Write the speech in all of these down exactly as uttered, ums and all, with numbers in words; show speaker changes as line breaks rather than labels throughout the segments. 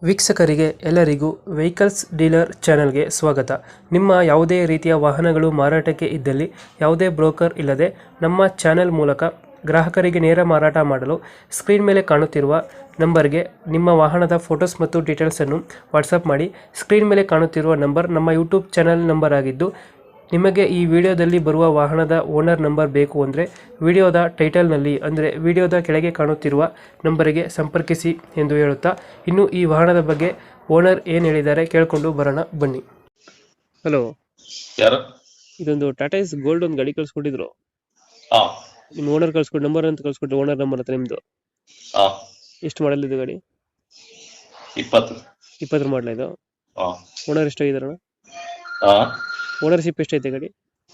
ವೀಕ್ಷಕರಿಗೆ ಎಲ್ಲರಿಗೂ vehicles dealer ಚಾನೆಲ್ಗೆ ಸ್ವಾಗತ. ನಿಮ್ಮ ಯಾವುದೇ ರೀತಿಯ ವಾಹನಗಳು ಮಾರಾಟಕ್ಕೆ ಇದ್ದಲ್ಲಿ ಯಾವುದೇ ಬ್ರೋಕರ್ ಇಲ್ಲದೆ ನಮ್ಮ ಚಾನೆಲ್ ಮೂಲಕ ಗ್ರಾಹಕರಿಗೆ ನೇರ ಮಾರಾಟ ಮಾಡಲು ಸ್ಕ್ರೀನ್ ಮೇಲೆ ಕಾಣುತ್ತಿರುವ ನಂಬರ್ಗೆ ನಿಮ್ಮ ವಾಹನದ ಫೋಟೋಸ್ ಮತ್ತು ಡೀಟೇಲ್ಸನ್ನು ವಾಟ್ಸಪ್ ಮಾಡಿ. ಸ್ಕ್ರೀನ್ ಮೇಲೆ ಕಾಣುತ್ತಿರುವ ನಂಬರ್ ನಮ್ಮ ಯೂಟ್ಯೂಬ್ ಚಾನೆಲ್ ನಂಬರ್ ಆಗಿದ್ದು, ನಿಮಗೆ ಈ ವಿಡಿಯೋದಲ್ಲಿ ಬರುವ ವಾಹನದ ಓನರ್ ನಂಬರ್ ಬೇಕು ಅಂದರೆ ವಿಡಿಯೋದ ಟೈಟಲ್ನಲ್ಲಿ ಅಂದರೆ ವಿಡಿಯೋದ ಕೆಳಗೆ ಕಾಣುತ್ತಿರುವ ನಂಬರಿಗೆ ಸಂಪರ್ಕಿಸಿ ಎಂದು ಹೇಳುತ್ತಾ, ಇನ್ನು ಈ ವಾಹನದ ಬಗ್ಗೆ ಓನರ್ ಏನು ಹೇಳಿದ್ದಾರೆ ಕೇಳಿಕೊಂಡು ಬರೋಣ ಬನ್ನಿ. ಹಲೋ,
ಯಾರು?
ಇದೊಂದು ಟಾಟಾ ಎಸ್ ಗೋಲ್ಡ್ ಒಂದು ಗಾಡಿ ಕಳ್ಸ್ಕೊಟ್ಟಿದ್ರು.
ಹಾ
ನಿಮ್ಮ ಓನರ್ ಕಳ್ಸ್ಕೊಟ್ಟು ನಂಬರ್ ಅಂತ ಕಳ್ಸ್ಕೊಟ್ಟು ಓನರ್ ನಂಬರ್ ಹತ್ರ ನಿಮ್ಮದು
ಹಾ
ಎಷ್ಟು ಮಾಡಲ್ ಇದು ಗಾಡಿ?
ಇಪ್ಪತ್ತು.
ಇಪ್ಪತ್ತರ ಮಾಡಲ ಇದು.
ಹಾ
ಓನರ್ ಎಷ್ಟಾಗಿದಾರಣ?
ಹಾ
ಓನರ್ಶಿಪ್ ಎಷ್ಟೈತೆ ಗಾಡಿ?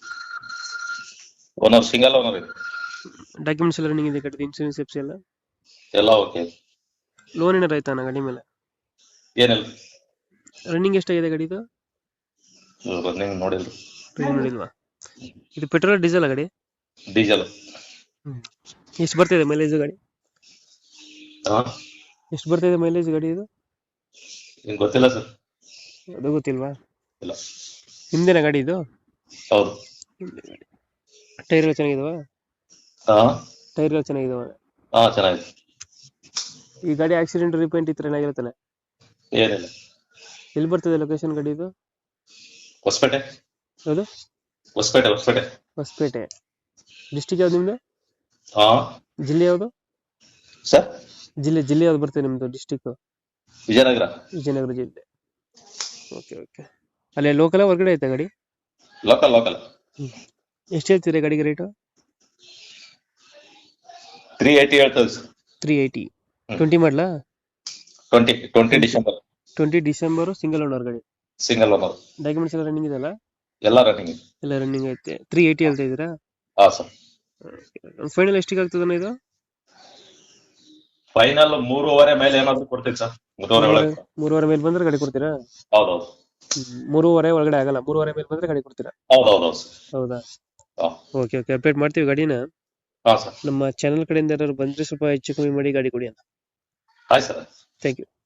ಓನರ್ ಸಿಂಗಲ್ ಓನರ್ ಇದೆ.
ಡಾಕ್ಯುಮೆಂಟ್ಸ್ ಎಲ್ಲ ರನ್ನಿಂಗ್ ಇದೆ ಗಾಡಿ? ಇನ್ಸೂರೆನ್ಸ್ ಎಫ್ಸಿ ಎಲ್ಲ
ಎಲ್ಲ ಓಕೆ.
ಲೋನ್ ಏನಾರ ಆಯ್ತಾನ ಗಾಡಿ ಮೇಲೆ?
ಏನಿಲ್ಲ,
ರನ್ನಿಂಗ್ ಎಷ್ಟಾಗಿದೆ ಗಾಡಿದು?
ರನ್ನಿಂಗ್ ನೋಡಿಲ್ಲ.
ರನ್ನಿಂಗ್ ನೋಡಿಲ್ವಾ? ಇದು ಪೆಟ್ರೋಲ್ ಡೀಸೆಲ್ ಗಾಡಿ?
ಡೀಸೆಲ್.
ಎಷ್ಟು ಬರ್ತಿದೆ ಮೈಲೇಜ್ ಗಾಡಿ?
ಹಾ
ಎಷ್ಟು ಬರ್ತಿದೆ ಮೈಲೇಜ್ ಗಾಡಿ ಇದು?
ನಿಂಗೆ ಗೊತ್ತಿಲ್ಲ ಸರ್?
ಅದು ಗೊತ್ತಿಲ್ವಾ?
ಇಲ್ಲ.
ನಿಮ್ದೇನಾ ಗಾಡಿ ಇದು?
ಹೌದು.
ಟೈರ್ ಎಲ್ಲ ಚೆನ್ನಾಗಿದಾವ?
ಹಾ
ಟೈರ್ ಎಲ್ಲ ಚೆನ್ನಾಗಿದಾವ?
ಹಾ ಚೆನ್ನಾಗಿದೆ.
ಈ ಗಾಡಿ ಆಕ್ಸಿಡೆಂಟ್ ರಿಪೇಂಟ್ ಇತ್ತು ಏನಾಗಿರುತ್ತಾನೆ?
ಏನಿಲ್ಲ.
ಎಲ್ಲಿ ಬರ್ತದೆ ಲೊಕೇಶನ್ ಗಾಡಿ ಇದು?
ಹೊಸಪೇಟೆ.
ಹೌದು,
ಹೊಸಪೇಟೆ ಹೊಸಪೇಟೆ
ಹೊಸಪೇಟೆ. ಡಿಸ್ಟಿಕ್ ಯಾವ್ದು ನಿಮ್ದು?
ಹಾ
ಜಿಲ್ಲೆ ಯಾವುದು?
ಸರ್,
ಜಿಲ್ಲೆ ಜಿಲ್ಲೆ ಯಾವ್ದು ಬರ್ತದೆ ನಿಮ್ದು? ಡಿಸ್ಟಿಕ್
ವಿಜಯನಗರ.
ವಿಜಯನಗರ ಜಿಲ್ಲೆ. Okay okay. ಅಲ್ಲೇ ಲೋಕಲ್ ಹೊರಗಡೆ ಐತೆ ಗಾಡಿ?
Local local.
ಎಷ್ಟು ಹೇಳ್ತೀರಿ ಗಾಡಿಗೆ ರೇಟು?
ತ್ರೀ ಏಯ್ಟಿ ಹೇಳ್ತದೆ ಸರ್.
Three eighty. ಟ್ವೆಂಟಿ ಮಾಡಲಾ?
Twenty twenty December.
Twenty December. Single owner ಗಾಡಿ?
Single owner.
ಡಾಕ್ಯುಮೆಂಟ್ಸ್ ಎಲ್ಲ ರನ್ನಿಂಗ್ ಇದೆಲ್ಲ?
ಎಲ್ಲ ರನ್ನಿಂಗ್ ಇದೆ.
ಎಲ್ಲ ರನ್ನಿಂಗ್ ಐತೆ. ತ್ರೀ ಏಯ್ಟಿ ಹೇಳ್ತಾ ಇದ್ದೀರಾ?
ಹಾ ಸರ್.
ಫೈನಲ್ ಎಷ್ಟಿಗೆ ಆಗ್ತದಣ್ಣ ಇದು?
ಫೈನಲ್ ಮೂರುವರೆ ಮೇಲೆ ಏನಾದ್ರು ಕೊಡ್ತೀವಿ ಸರ್. ಮೂರುವರೆ ಒಳಗೆ.
ಮೂರುವರೆ ಮೇಲೆ ಬಂದ್ರೆ ಗಾಡಿ ಕೊಡ್ತೀರಾ?
ಹೌದೌದು.
ಮೂರುವರೆ ಒಳಗಡೆ ಆಗಲ್ಲ, ಮೂರುವರೆ ಮೇಲೆ ಬಂದ್ರೆ ಗಾಡಿ ಕೊಡ್ತೀರಾ?
ಹೌದೌದು ಸರ್.
ಹೌದಾ?
ಹಾ
ಓಕೆ ಓಕೆ, ಅಪ್ಡೇಟ್ ಮಾಡ್ತೀವಿ ಗಾಡಿನ.
ಹಾ ಸರ್.
ನಮ್ಮ ಚಾನಲ್ ಕಡೆಯಿಂದ ಯಾರು ಬಂದ್ರೆ ಸ್ವಲ್ಪ ಹೆಚ್ಚು ಕಮ್ಮಿ ಮಾಡಿ ಗಾಡಿ ಕೊಡಿ ಅಂತ.
ಆಯ್ತು ಸರ್.
Thank you.